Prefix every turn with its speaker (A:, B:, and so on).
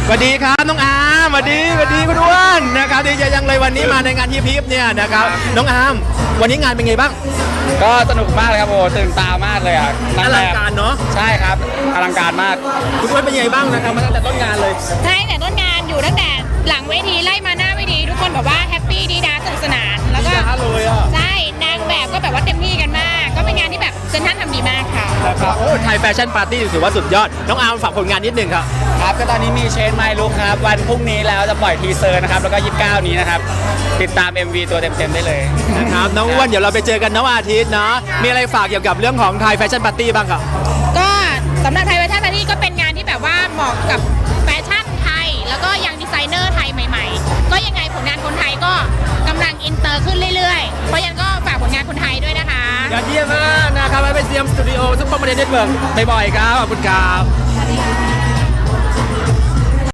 A: สวัสดีครับน้องอาร์มสวัสดีคุณอ้วนนะครับดีใจยังเลยวันนี้มาในงานฮิปฮิปเนี่ยนะครับน้องอาร์มวันนี้งานเป็นไงบ้าง
B: ก็สนุกมากเลยครับโอ้ตื่นตามากเลยอ่ะ
A: อลังการเนาะ
B: ใช่ครับอลังการมาก
A: คุณอ้วนเป็นไงบ้างนะครับมาตั้งแต่ต้นงานเลย
C: ใช่แต่ต้นงานอยู่ตั้งแต่หลังเวทีไล่มาหน้าเวทีทุกคนแบบว่าแฮปปี้ดีดาสนุกสนานแล้วก็
A: เลยอ่ะ
C: ใช่นางแบบก็แบบว่าเต็มที่กันมากก็เป็นงานที่แบบเซนทรัลทำดีมากค่ะ
A: นะครับโอ้ไทยแฟชั่นปาร์ตี้ถือว่าสุดยอดน้องอาร์มฝากผลงานนิดนึงครับ
B: ครับก็ตอนนี้มีเชนไมลุกครับวันพรุ่งนี้แล้วจะปล่อยทีเซอร์นะครับแล้วก็29นี้นะครับติดตาม MV ตัวเต็มๆได้เลย
A: นะครับน้องอ้วนเดี๋ยวเราไปเจอกันน้องอาทิตย์เนาะมีอะไรฝากเกี่ยวกับเรื่องของไทยแฟชั่นปาร์ตี้บ้างครับ
C: ก็สำหรับไทยแฟชั่นปาร์ตี้ก็เป็นงานที่แบบว่าเหมาะกับแฟชั่นไทยแล้วก็ยังดีไซเนอร์ไทยใหม่ๆก็ยังไงผลงานคนไทยก็กำลังอินเตอร์ขึ้นเรื่อยๆเพราะยังก็ฝากผลงานคนไทยด้วยนะคะ
A: ยอดเยี่ยมมากนะครับไปเซียมสตูดิโอซุปเปอร์มาร์เก็ตเน็ตเวิร์กบ่อยๆครับขอบคุณครับ